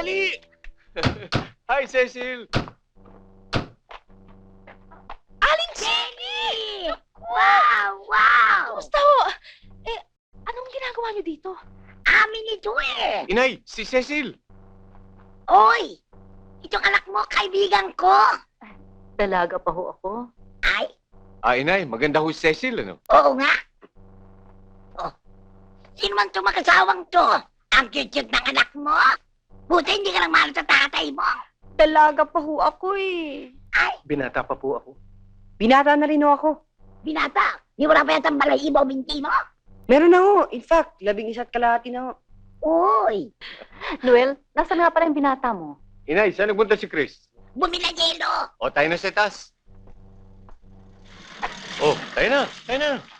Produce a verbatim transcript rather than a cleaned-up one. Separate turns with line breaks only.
dali! Hi, Cecil!
Aling Jenny! Wow! Wow!
Kamusta ho? Eh, anong ginagawa niyo dito?
Amin ito eh!
Inay, si Cecil!
Oy! Itong anak mo, kaibigan ko!
Dalaga pa ho ako.
Ay,
Ah, Inay, maganda ho si Cecil, ano?
oo nga. Oh, sino man itong mag-asawang to? Ang cute-cute ng anak mo? Buti hindi ka lang mahal sa tatay mo.
Dalaga pa ho ako eh.
Ay,
Binata pa po ako.
Binata na rin ho ako.
binata, di mo na pa yatang balay ibaw binti mo?
Meron na ho. In fact, labing isa't kalahati na ho.
Uy,
Noel, nasaan nga pala yung binata mo?
Inay, saan nagpunta si Chris?
bumila yelo.
O, tayo na sa taas. Oh, tayo na, tayo na.